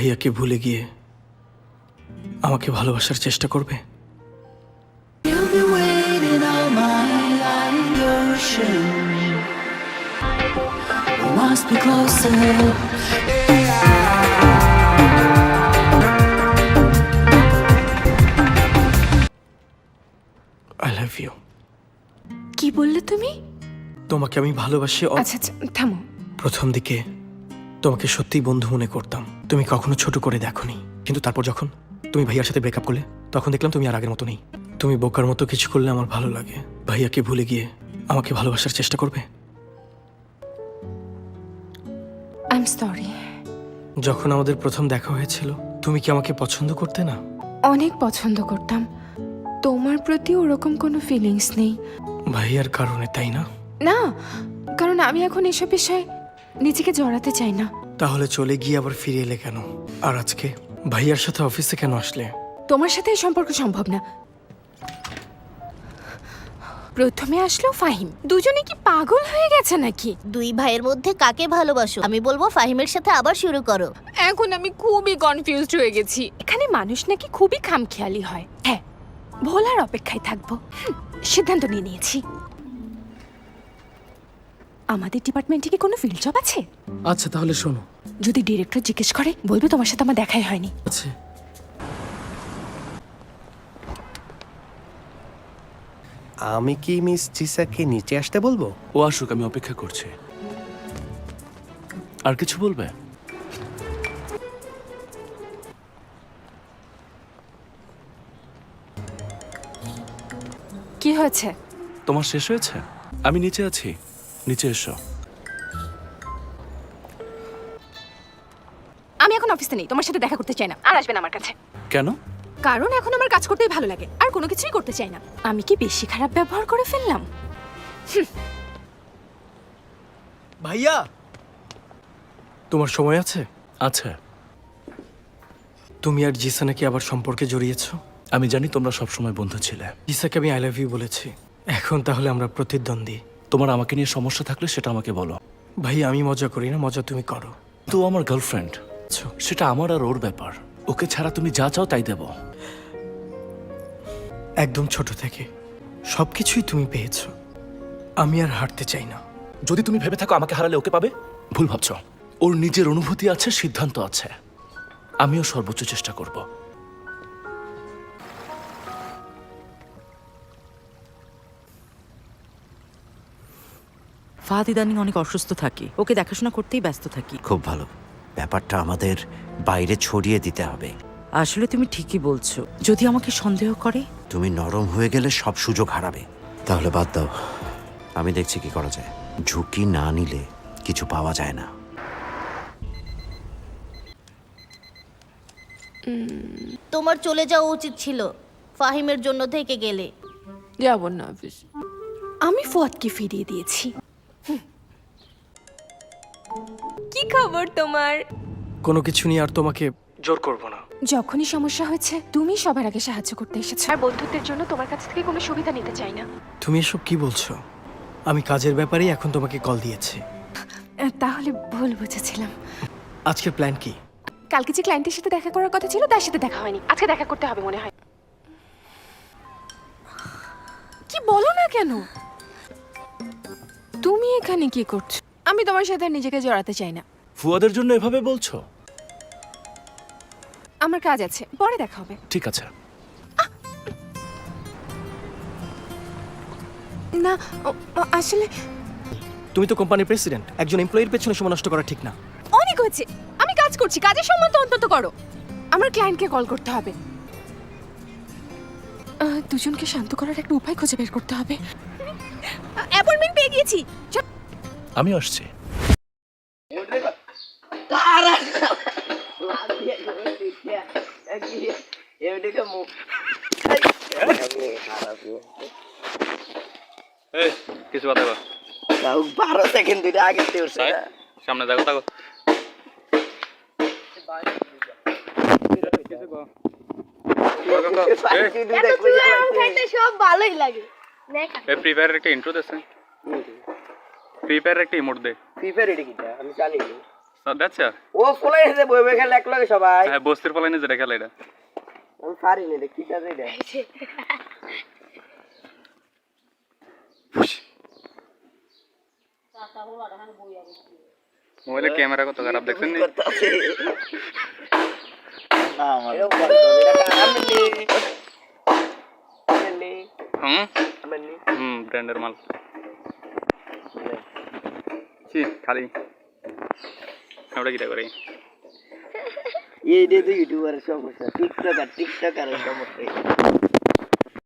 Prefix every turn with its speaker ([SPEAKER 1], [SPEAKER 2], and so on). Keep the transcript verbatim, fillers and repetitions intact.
[SPEAKER 1] ভাইয়াকে ভুলে গিয়ে আমাকে ভালোবাসার চেষ্টা করবে?
[SPEAKER 2] You'll be waiting all my life. Your shame. We must be closer.
[SPEAKER 1] I love you.
[SPEAKER 3] কি বললে তুমি?
[SPEAKER 1] তোমাকে আমি ভালোবাসি। অ-
[SPEAKER 3] আচ্ছা আচ্ছা থামো।
[SPEAKER 1] প্রথম দিকে তোমাকে সত্যিই বন্ধু মনে করতাম, তুমি কখনো ছোট করে দেখোনি। কিন্তু তারপর যখন তুমি ভাইয়ার সাথে ব্রেকআপ করলে তখন দেখলাম তুমি আর আগের মতো নেই। তুমি বোকার মতো কিছু করলে আমার ভালো লাগে। ভাইয়াকে ভুলে গিয়ে আমাকে ভালোবাসার চেষ্টা করবে?
[SPEAKER 3] I am sorry.
[SPEAKER 1] যখন আমাদের প্রথম দেখা হয়েছিল তুমি কি আমাকে পছন্দ করতে না?
[SPEAKER 3] অনেক পছন্দ করতাম, তোমার প্রতি ওরকম কোনো ফিলিংস নেই।
[SPEAKER 1] ভাইয়ার কারণে, তাই না?
[SPEAKER 3] না, কারণ আমি এখন এসব বিষয়ে নিজেকে জড়াতে চাই না।
[SPEAKER 1] তাহলে চলে গিয়ে আবার ফিরে এলে কেন? আর আজকে ভাইয়ার সাথে অফিসে কেন আসলে?
[SPEAKER 3] তোমার সাথে এই সম্পর্ক সম্ভব না। প্রথমে আসলো ফাহিম, দুজনে কি পাগল হয়ে গেছে নাকি?
[SPEAKER 4] দুই ভাইয়ের মধ্যে কাকে ভালোবাসো? আমি বলবো ফাহিমের সাথে আবার শুরু করো।
[SPEAKER 3] এখন আমি খুবই কনফিউজড হয়ে গেছি। এখানে মানুষ নাকি খুবই খামখেয়ালি হয়। হ্যাঁ, ভোলার অপেক্ষায় থাকবো। হুম, সিদ্ধান্ত নিয়ে নিয়েছি। আমাদের ডিপার্টমেন্টে কি কোনো ফিল্ড জব আছে?
[SPEAKER 5] আচ্ছা তাহলে শোনো।
[SPEAKER 3] যদি ডিরেক্টর জিজ্ঞেস করে বলবে তোমার সাথে আমার দেখাই হয়নি।
[SPEAKER 5] আচ্ছা
[SPEAKER 6] আমি কি মিস চিসাকে নিচে আসতে বলবো?
[SPEAKER 7] ও আসুক, আমি অপেক্ষা করছি। আর কিছু বলবে?
[SPEAKER 3] কি হয়েছে?
[SPEAKER 7] তোমার শেষ হয়েছে? আমি নিচে আছি, নিচে এসো।
[SPEAKER 3] আমি এখন অফিসে নেই, তোমার সাথে দেখা করতে চাই না। আর আসবে না আমার কাছে।
[SPEAKER 7] কেন?
[SPEAKER 3] কারণ এখন আমার কাজ করতেই ভালো লাগে, আর কোনো কিছুই করতে চাই না। আমি কি বেশি খারাপ ব্যবহার করে ফেললাম?
[SPEAKER 1] ভাইয়া, তোমার সময় আছে?
[SPEAKER 7] আচ্ছা,
[SPEAKER 1] তুমি আর জিসা নাকি আবার সম্পর্কে জড়িয়েছো?
[SPEAKER 7] আমি জানি তোমরা সবসময় বন্ধু ছিলে।
[SPEAKER 1] জিসাকে আমি আই লাভ ইউ বলেছি, এখন তাহলে আমরা প্রতিদ্বন্দ্বী।
[SPEAKER 7] তোমার আমাকে নিয়ে সমস্যা থাকলে সেটা আমাকে বলো।
[SPEAKER 1] ভাই আমি মজা করি না, মজা তুমি করো।
[SPEAKER 7] তো আমার গার্লফ্রেন্ড, সেটা আমার আর ওর ব্যাপার। ওকে ছাড়া তুমি যা চাও তাই দেব।
[SPEAKER 1] একদম ছোট থেকে সবকিছুই তুমি পেয়েছো, আমি আর হারতে চাই না।
[SPEAKER 7] যদি তুমি ভেবে থাকো আমাকে হারালে ওকে পাবে, ভুল ভাবছ। ওর নিজের অনুভূতি আছে, সিদ্ধান্ত আছে। আমিও সর্বোচ্চ চেষ্টা করব।
[SPEAKER 8] ফাহাদ ইদানিং অনেক অসুস্থ থাকে, ওকে দেখাশোনা করতেই ব্যস্ত থাকি।
[SPEAKER 6] খুব ভালো, ব্যাপারটা আমাদের বাইরে ছড়িয়ে দিতে হবে।
[SPEAKER 8] আসলে তুমি ঠিকই বলছো, যদি আমাকে সন্দেহ করে।
[SPEAKER 6] তুমি নরম হয়ে গেলে সব সুযোগ হারাবে। তাহলে বাদ দাও, আমি দেখছি কি করা যায়। ঝুঁকি না নিলে কিছু পাওয়া যায় না।
[SPEAKER 4] তোমার চলে যাওয়া উচিত ছিল, ফাহিমের জন্য থেকে গেলে।
[SPEAKER 3] যাব না অফিস। আমি ফুয়াদকে ফিরিয়ে দিয়েছি। কি খবর তোমার?
[SPEAKER 1] কোনো কিছু নিয়ে আর তোমাকে জোর করবো না।
[SPEAKER 3] যখনই সমস্যা হয়েছে তুমি সবার আগে সাহায্য করতে এসেছো, আর বন্ধুত্বের জন্য তোমার কাছ থেকে কোনো সুবিধা নিতে চাই না।
[SPEAKER 1] তুমি এসব কি বলছো? আমি কাজের ব্যাপারেই এখন তোমাকে কল দিয়েছি।
[SPEAKER 3] আহ, তাহলে ভুল বুঝেছিলাম।
[SPEAKER 1] আজকের প্ল্যান কি?
[SPEAKER 3] কালকে যে ক্লায়েন্টের সাথে দেখা করার কথা ছিল তার সাথে দেখা হয়নি, আজকে দেখা করতে হবে মনে হয়। কি বলো না কেন? তুমি এখানে কি করছো? আমি তোমার সাথে আর নিজেকে জড়াতে চাই না।
[SPEAKER 7] ফুয়াদের জন্য এভাবে বলছো?
[SPEAKER 3] আমার কাজ আছে, পরে দেখা হবে।
[SPEAKER 7] ঠিক আছে।
[SPEAKER 3] না ও- ও- আসলে
[SPEAKER 1] তুমি তো কোম্পানির প্রেসিডেন্ট, একজন এমপ্লয়ির পেছনে সময় নষ্ট করা ঠিক না।
[SPEAKER 3] অনেক হয়েছে, আমি কাজ করছি, কাজের সম্মান তো অন্তত করো। আমার ক্লায়েন্টকে কল করতে হবে। আহ, দুজনকে শান্ত করার একটা উপায় খুঁজে বের করতে হবে। অ্যাপয়েন্টমেন্ট পেয়ে গিয়েছি। চল।
[SPEAKER 7] আমি আসছি।
[SPEAKER 9] কিছু কথা বল।
[SPEAKER 10] বারো সেকেন্ড দুইটা আগে উঠছে না।
[SPEAKER 9] সামনে দেখো দেখো
[SPEAKER 4] সব ভালোই লাগে।
[SPEAKER 9] ফ্রি ফায়ারের একটা ইন্ট্রো দেন। ফ্রি ফায়ারের একটা ইমোট দে।
[SPEAKER 10] ফ্রি ফায়ার এটা কিটা আমি জানি না।
[SPEAKER 9] দেখছো
[SPEAKER 10] ও কোলাই এসে বই বই খেলে এক লগে সবাই
[SPEAKER 9] হ্যাঁ বস্তির পালাইনে যেটা খেলা এটা
[SPEAKER 10] আমি পারি না রে কিটা রে এটা
[SPEAKER 9] মোবাইলের ক্যামেরা কত খারাপ দেখছেন নি
[SPEAKER 10] করতেছে না আমার এরকম করে তো এটা আমনি আমনি
[SPEAKER 9] হুম
[SPEAKER 10] আমনি
[SPEAKER 9] হুম ব্র্যান্ডের মাল কি খালি আমরা কিটা করি
[SPEAKER 10] এই দে তো ইউটিউবারের সমস্যা টিকটক আর টিকটক আর সমস্যা